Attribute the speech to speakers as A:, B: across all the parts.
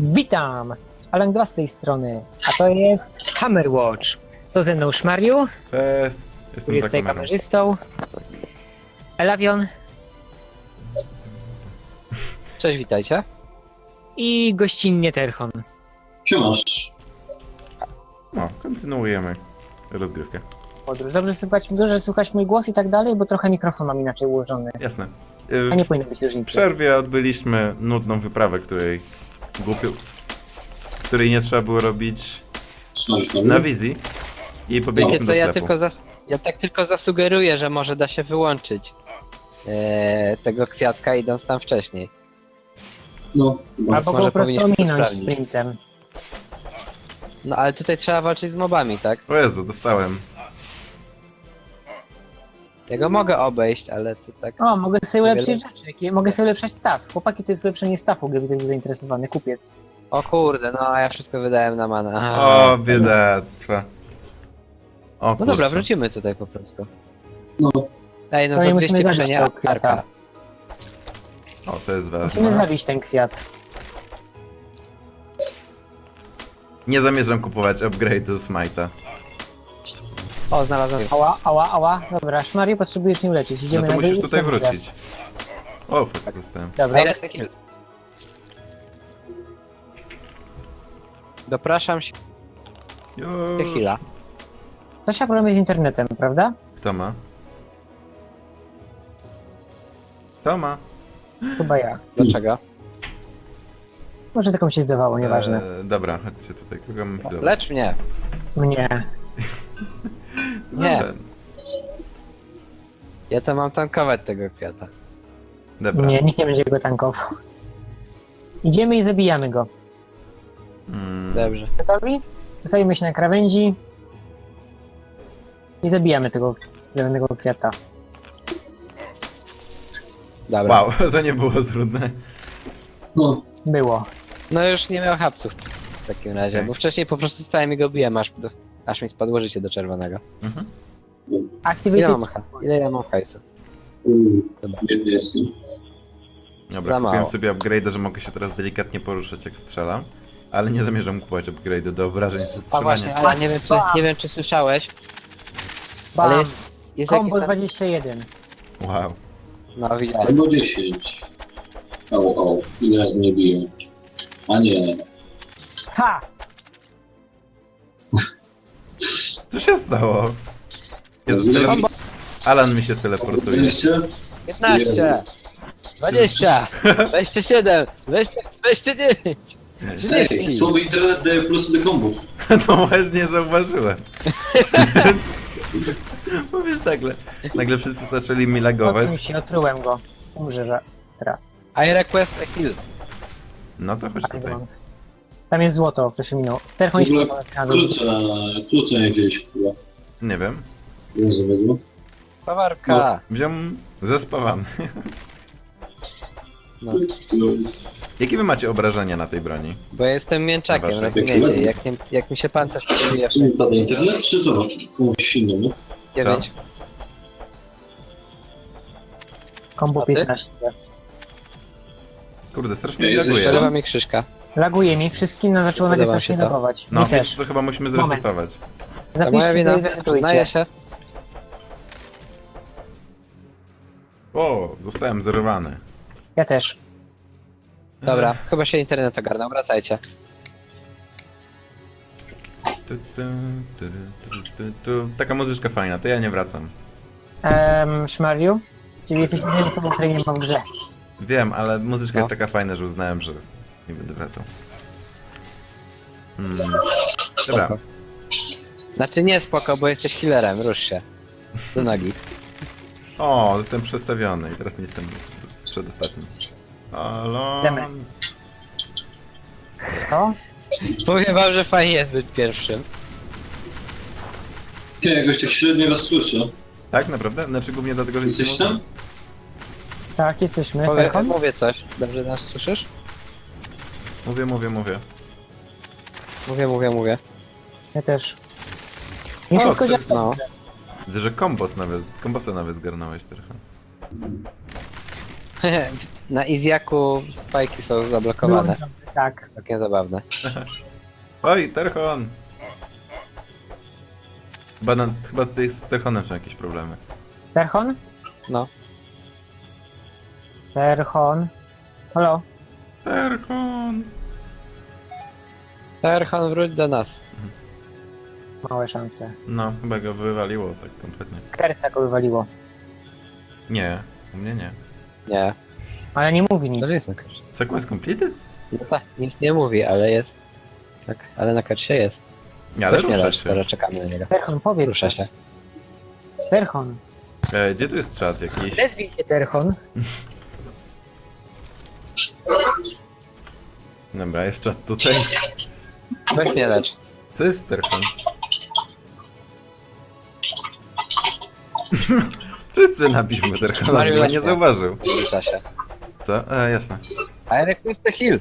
A: Witam! Alan 2 z tej strony, a to jest Hammerwatch. Co ze mną Szmariu,
B: Cześć,
A: który
B: jestem
A: jest
B: za
A: tutaj
B: kamerą.
A: kamerzystą, Elavion
C: Cześć, witajcie.
A: i gościnnie Terchon.
D: Siemasz.
B: No, kontynuujemy rozgrywkę.
A: Podróż. Dobrze słychać mój głos i tak dalej, bo trochę mikrofon mam inaczej ułożony.
B: Jasne.
A: A nie powinno być
B: W
A: różnicy.
B: przerwie odbyliśmy nudną wyprawę, której nie trzeba było robić na wizji i pobiegliśmy
C: Wiecie
B: do
C: co,
B: sklepu.
C: ja tak tylko zasugeruję, że może da się wyłączyć tego kwiatka idąc tam wcześniej.
D: No,
A: Albo go
C: może
A: po prostu
C: powinniśmy to
A: ominąć
C: sprawdzić.
A: sprintem.
C: No ale tutaj trzeba walczyć z mobami, tak?
B: O Jezu, dostałem.
C: Ja go mogę obejść, ale to tak...
A: O, mogę sobie
C: Niewiele.
A: ulepszyć rzeczy, mogę sobie ulepszać staw. Chłopaki, to jest ulepszenie stawu, gdyby ktoś był zainteresowany, kupiec.
C: O kurde, no a ja wszystko wydałem na mana. Aha.
B: O, biedactwa. O,
C: No dobra,
B: kurczę.
C: wrócimy tutaj po prostu.
D: no.
C: Ej, no
A: To
C: za
A: nie musimy
C: 200
A: zabić
C: krzenia
A: tego kwiata.
C: arka.
B: O, to jest
A: Musimy
B: ważne.
A: zabić ten kwiat.
B: Nie zamierzam kupować upgrade'u Smite'a.
C: O, znalazłem.
A: Ała. Dobra, Szmariu, potrzebujesz mnie uleczyć.
B: No
A: Idziemy
B: to
A: na
B: musisz
A: dół i
B: tutaj
A: idziemy.
B: wrócić. O, fuck, dostałem.
A: Dobra.
C: Ej, jest kill. Dopraszam się
B: Już.
C: heala.
A: Coś ma problemy z internetem, prawda?
B: Kto ma? Kto ma?
A: Chyba ja.
C: Dlaczego?
A: Może tylko mi się zdawało, nieważne.
B: Dobra, chodźcie tutaj. Kogo mam healować?
C: Lecz mnie.
A: Mnie.
C: Nie.
B: Dobra.
C: Ja to mam tankować tego kwiata.
B: Dobra.
A: Nie, nikt nie będzie go tankował. Idziemy i zabijamy go.
C: Dobrze.
A: Gotowi? Zostawimy się na krawędzi. I zabijamy tego zielonego kwiata.
C: Dobra.
B: Wow, to nie było trudne.
D: No,
A: Było.
C: No już nie miał hapców w takim razie,
B: Okej.
C: bo wcześniej po prostu stałem i go biłem, aż mi spadło życie do czerwonego.
B: Mhm.
C: Ile
A: Activity.
C: mam, ile ja mam hajsu?
D: biedny jestem.
B: Dobra,
C: Za
B: kupiłem
C: mało.
B: sobie upgrade'a, że mogę się teraz delikatnie poruszać jak strzelam. Ale nie zamierzam kupować upgrade'u do obrażeń ze
C: A
B: strzelania.
C: właśnie, ale nie wiem czy słyszałeś,
A: Bam.
C: ale jest
A: Combo
C: jakiś tam...
A: 21.
B: Wow.
C: No widziałem.
D: Albo 10. Au, ile razy mnie biją. A nie.
A: Ha!
B: Co się stało? Jezu, Alan mi się teleportuje.
D: 20?
C: 15! 20! 27! 29!
D: Ej,
C: 30!
D: słaby internet daje plusy do kombów.
B: No właśnie zauważyłem. Bo wiesz, nagle wszyscy zaczęli mi lagować.
A: Odsuń się, otrułem go. Umrze, że teraz.
C: I request a kill.
B: No to chodź tutaj.
A: Wygląd. Tam jest złoto, proszę minął. Terchon
D: W ogóle
A: się na dół.
D: klucza nie wzięliśmy chyba.
B: Nie wiem.
D: Rozumiem.
C: Pawarka!
B: Wziąłem zespawany.
C: No.
B: Jakie wy macie obrażenia na tej broni?
C: Bo ja jestem mięczakiem,
B: Dobra,
C: rozumiecie? Jak mi się pancerz podbije
D: Co to internet, czy to komuś innemu?
C: 9.
A: Combo
C: A ty?
A: 15.
B: Kurde, strasznie mi
D: Ej, jesteś
B: laguje.
C: Przerywa mi Krzyżka.
A: Laguje mi, wszystkim zaczęło nagle
C: Podoba mi
A: strasznie
C: się to.
A: lagować.
B: No
A: Mi
B: wiesz,
A: też.
B: to chyba musimy
A: Moment.
B: zresetować.
C: To moja
A: Zapiszcie
C: wina,
A: to i zresetujcie.
C: przyznaję się.
B: O, zostałem zerwany.
A: Ja też.
C: Dobra, chyba się internet ogarnął, wracajcie.
B: Taka muzyczka fajna, to ja nie wracam.
A: Szmariu? Czyli jesteś jedyną osobą, której nie ma w grze.
B: Wiem, ale muzyczka
C: No.
B: jest taka fajna, że uznałem, że nie będę wracał. Dobra,
C: Spoko. Znaczy nie spoko, bo jesteś healerem, rusz się. Do nogi.
B: o, jestem przestawiony i teraz nie jestem przedostatni.
A: Demy.
B: Alon.
A: Co?
C: Powiem wam, że fajnie jest być pierwszym.
D: Nie, jakoś tak średnio was słyszę.
B: Tak, naprawdę? Znaczy głównie dlatego, że nic nie
D: Jesteś
B: mówię?
D: tam?
A: Tak, jesteśmy. Terchon?
C: Mówię coś. Dobrze nas słyszysz?
B: Mówię.
C: Mówię.
A: Ja też. Nie
B: O,
A: wszystko
B: ty-
A: działa.
C: No.
B: Widzę, że kombosa nawet zgarnąłeś trochę.
C: Na Izjaku spajki są zablokowane.
A: Tak.
C: Takie zabawne.
B: Oj, Terchon! Chyba tutaj z Terchonem są jakieś problemy.
A: Terchon?
C: No.
A: Terchon. Halo?
B: Terchon!
C: Terchon, wróć do nas.
A: Małe szanse.
B: No, chyba go wywaliło tak kompletnie.
A: Kerca go wywaliło.
B: Nie, u mnie nie.
C: Nie.
A: Ale nie mówi nic.
C: To jest na karcie.
B: Sequence completed?
C: No tak, nic nie mówi, ale jest. Tak, ale na karcie jest.
B: Nie, ale
C: Weź mnie
B: rusza
C: lecz,
B: się.
C: skoro czekamy na niego.
A: Terchon, powiedz.
C: Rusza się.
A: Terchon.
B: Gdzie tu jest czat jakiś?
A: Nazwij się Terchon.
B: Dobra, jest czat tutaj.
C: Weź mnie lecz.
B: Co jest Terchon? Wszyscy napiszmy Terchona,
C: Mario
B: chyba nie
C: Leśnia.
B: zauważył.
C: Rusza się.
B: Co? Jasne.
C: I request the heal.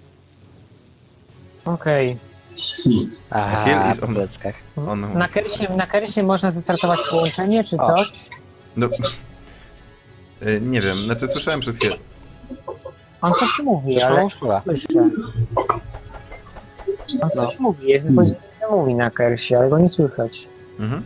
A: Okej.
C: Aha,
B: Heal is
C: po
B: on.
C: pleckach.
B: On...
A: Na Kersie można zestartować połączenie, czy
C: O.
A: coś?
B: No... Nie wiem, znaczy słyszałem przez chwilę.
A: On coś mówi,
C: Już
A: ale
C: mam wpływa.
A: słyszę. On coś mówi, jest powiedziane, że mówi na Kersie, ale go nie słychać.
B: Mhm.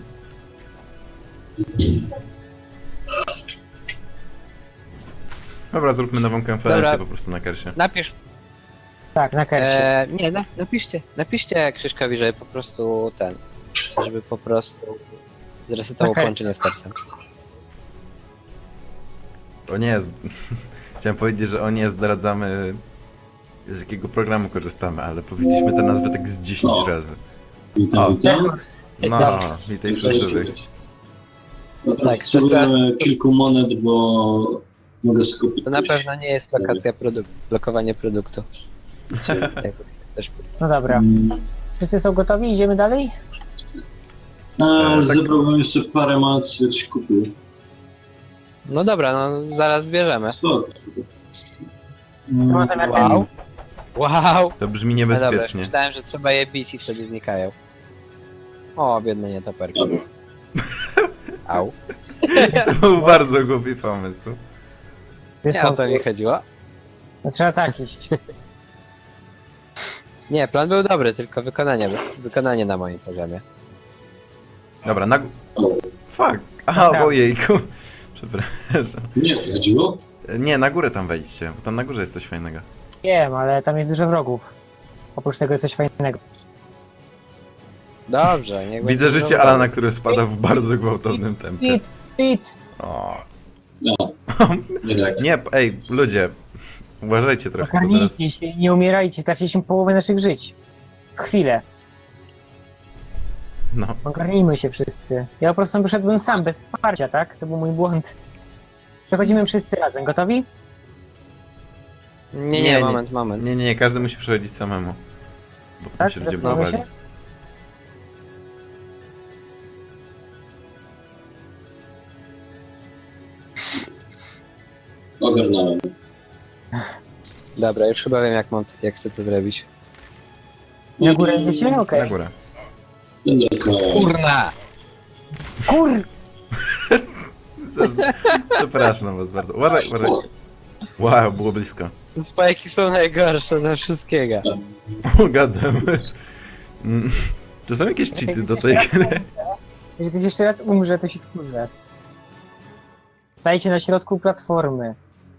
B: Dobra, zróbmy nową konferencję
C: Dobra.
B: po prostu na Kersie.
C: Napisz.
A: Tak, na Kersie.
C: Nie, napiszcie Krzyszkowi, żeby po prostu żeby po prostu zresetował
A: Okej.
C: połączenie z Kersem.
B: O nie, chciałem powiedzieć, że o nie zdradzamy z jakiego programu korzystamy, ale powiedzieliśmy tę nazwę tak z 10
D: O.
B: razy.
D: Witam, witam.
B: No, witaj wszyscy.
D: Dobra,
C: Tak,
D: potrzebujemy kilku monet, bo mogę skupić.
C: To na pewno nie jest lokacja blokowanie produktu. Jak też-
A: No dobra. Wszyscy są gotowi? Idziemy dalej?
B: tak.
D: Zebrałbym jeszcze parę monet, sobie coś kupił.
C: No dobra, no zaraz zbierzemy.
D: Spoko.
A: ma zamiar
C: Wow. Wow!
B: To brzmi
C: No dobra,
B: niebezpiecznie.
C: myślałem, że trzeba je bić i wtedy znikają. O, biedne nietoperki.
D: Dobra.
C: Au.
B: To był bardzo głupi pomysł.
C: Nie o to mi chodziło.
A: No, trzeba tak iść.
C: Nie, plan był dobry, tylko wykonanie na moim poziomie.
B: Dobra, na...
D: O,
B: Fuck! A, ojejku. Przepraszam.
D: nie, to chodziło?
B: Nie, na górę tam wejdźcie, bo tam na górze jest coś fajnego.
A: Wiem, ale tam jest dużo wrogów. Oprócz tego jest coś fajnego.
C: Dobrze, niech
B: Widzę
C: będzie
B: życie
C: dobrze.
B: Alana, które spada w bardzo gwałtownym tempie.
A: Cheat, cheat!
B: O.
D: No, nie tak.
B: Nie, ej, ludzie. Uważajcie trochę, bo zaraz...
A: Ogarnijcie się, nie umierajcie, straciliśmy połowę naszych żyć. Chwilę.
B: No.
A: Ogarnijmy się wszyscy. Ja po prostu tam wyszedłem sam, bez wsparcia, tak? To był mój błąd. Przechodzimy wszyscy razem. Gotowi?
C: Nie, moment.
B: Nie, każdy musi przechodzić samemu. Bo potem
A: Tak?
B: się ludzie
A: Zepnąmy
B: blokowali.
A: się?
D: Ogarnąłem.
C: Dobra, już chyba wiem jak chcę to zrobić.
A: Na górę idziecie? Okej.
B: Na górę.
D: Będę koło.
C: Kurna!
A: Kur...
B: Przepraszam was bardzo. Uważaj. Wow, było blisko.
C: Spajki są najgorsze ze wszystkiego.
B: Oh, goddammit. Czy są jakieś cheaty do tej gry?
A: Jeżeli ktoś jeszcze raz umrze, to się wkurzę. Stajcie na środku platformy.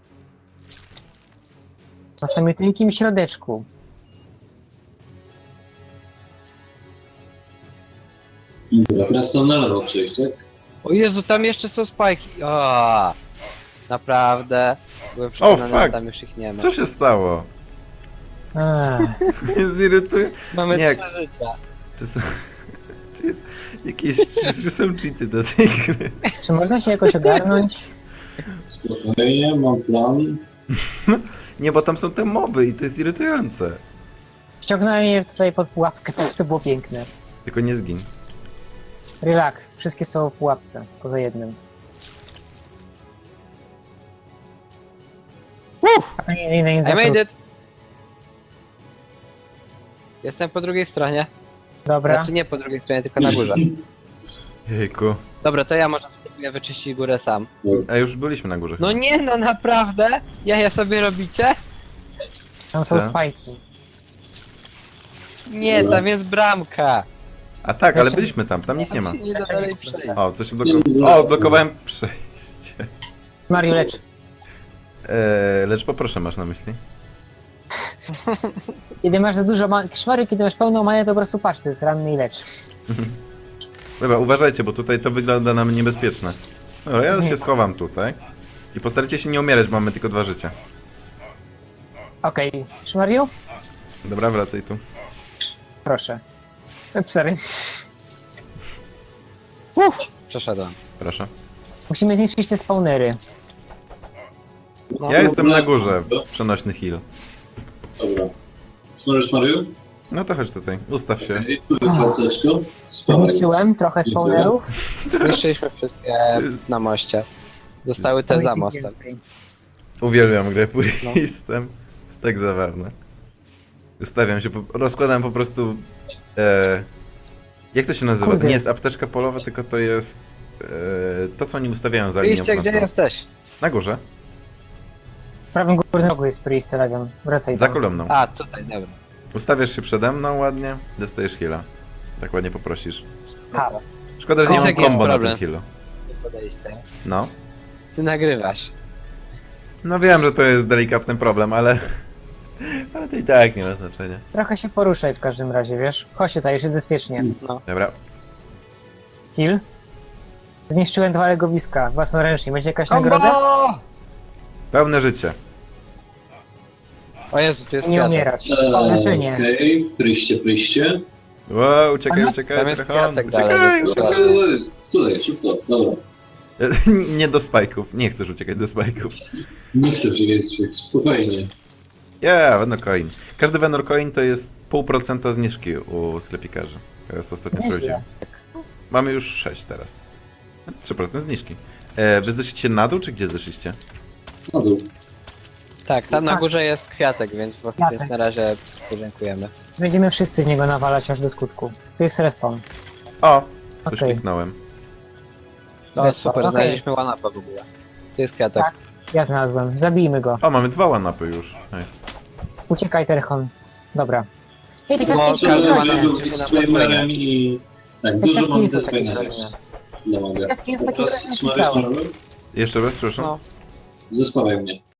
A: Na samym tynkim środeczku.
D: Dobra, teraz tam na lewo przejść, tak?
C: O Jezu, tam jeszcze są spajki. O, naprawdę. Byłem przekonany, że
B: fuck.
C: tam już ich nie ma.
B: Co się stało?
A: Ech.
B: Mnie zirytuje.
C: Mamy
B: Nie.
C: 3 życia.
B: Czy jest jakieś... Czy są cheaty do tej gry?
A: Czy można się jakoś ogarnąć?
D: Spokojnie, mam plan.
B: Nie, bo tam są te moby i to jest irytujące.
A: Ściągnąłem je tutaj pod pułapkę, to było piękne.
B: Tylko nie zgin.
A: Relax, wszystkie są w pułapce, poza jednym. A to nie
C: I
A: zaczął.
C: made it! Jestem po drugiej stronie.
A: Dobra,
C: Znaczy nie po drugiej stronie, tylko na górze.
B: Jejku.
C: Dobra, to ja może spróbuję wyczyścić górę sam.
B: A już byliśmy na górze.
C: No
B: chyba.
C: nie no, naprawdę? Jaja sobie robicie?
A: Tam są
B: Co?
A: spajki.
C: Nie, tam jest bramka.
B: A tak, ale
A: Znaczy-
B: byliśmy tam nic nie ma.
C: Tam się nie da dalej przejść.
B: O, coś odblokowało. O, odblokowałem przejście.
A: Mario, lecz.
B: Lecz poproszę, masz na myśli?
A: Kiedy masz za dużo szmary, kiedy masz pełną manę, to po prostu patrz, to jest ranny i lecz.
B: Dobra, uważajcie, bo tutaj to wygląda nam niebezpieczne. Dobra, ja się schowam tutaj. I postarajcie się nie umierać, bo mamy tylko 2 życia.
A: Okej, Szmariu?
B: Dobra, wracaj tu.
A: Proszę. Sorry.
C: Przeszedłem.
B: Proszę.
A: Musimy zniszczyć te spawnery.
C: No,
B: Ja jestem na górze, przenośny heal.
D: Dobra. Smażysz, Mario?
B: No to chodź tutaj, ustaw się.
D: Okej, tu jest apteczko. Spawaj.
A: Zniszczyłem trochę spawnerów.
C: Zniszczyliśmy wszystkie na moście. Zostały te za mostem.
B: Uwielbiam grę
C: No.
B: Puristem. Jest tak zabawne. Ustawiam się, rozkładam po prostu... jak to się nazywa? To
A: Kurde.
B: nie jest apteczka polowa, tylko to jest... to, co oni ustawiają za linią
C: Wyjście, gdzie
B: frontową.
C: jesteś?
B: Na górze,
A: W prawym górnym rogu jest Priest Eleven. Wracaj
B: za
A: tam.
B: kolumną.
C: A, tutaj, dobra.
B: Ustawiasz się przede mną ładnie, dostajesz heala. Tak ładnie poprosisz.
A: Ha.
B: Szkoda, że nie
C: Wiesz,
B: mam
C: jaki jest
B: combo na
C: problem
B: tym healu.
C: Podejście.
B: No.
C: Ty nagrywasz.
B: No wiem, że to jest delikatny problem, ale... ale to i tak nie ma znaczenia.
A: Trochę się poruszaj w każdym razie, wiesz? Chodź tutaj, już jest bezpiecznie.
C: No.
B: Dobra.
A: Kill. Zniszczyłem 2 legowiska własnoręcznie. Będzie jakaś nagroda?
B: Pełne życie.
C: O Jezu, tu jest
A: Nie
C: kwiatek.
A: umierać. O, leczenie.
D: Okej, pryście.
B: Wow, uciekaj,
A: Aha.
B: uciekaj,
C: Tam jest
B: Drachon,
C: kwiatek
B: uciekaj!
C: dalej,
D: Dobra, tutaj, szybko, dobra.
B: Nie do spajków, nie chcesz uciekać do spajków.
D: Nie chcę przejść, spokojnie.
B: Venor Coin. Każdy Venor Coin to jest 0,5% zniżki u sklepikarzy. Teraz ostatnio
A: Nieźle.
B: sprawdziłem. Mamy już 6 teraz. 3% zniżki. Wy zeszliście na dół, czy gdzie zeszliście?
D: Na dół.
C: Tak, tam na
A: Tak.
C: górze jest kwiatek, więc,
A: Kwiatek.
C: więc na razie podziękujemy.
A: Będziemy wszyscy w niego nawalać aż do skutku. Tu jest respawn.
B: O! Coś
A: Okej.
B: kliknąłem.
C: To jest super,
A: Okej.
C: znaleźliśmy one-upa w ogóle. Tu jest kwiatek.
A: Tak. Ja znalazłem. Zabijmy go.
B: O, mamy 2 one-upy już. Nice.
A: Uciekaj, Terchon. Dobra. Ej, te
C: No,
A: kwiatki
C: każdy
A: są
C: ma
A: fajne.
C: na-
D: Dużo z Flamerem i... Tak, dużo
A: kwiatki
D: mam
A: nie są
D: też
A: takie
D: fajnych
A: fajne.
D: rzeczy. Dla mogę.
A: Kwiatki jest takie
D: Teraz
A: fajne,
D: smażysz,
A: ciekawe.
D: Mario?
B: Jeszcze raz, proszę.
C: No.
D: Zespawaj mnie.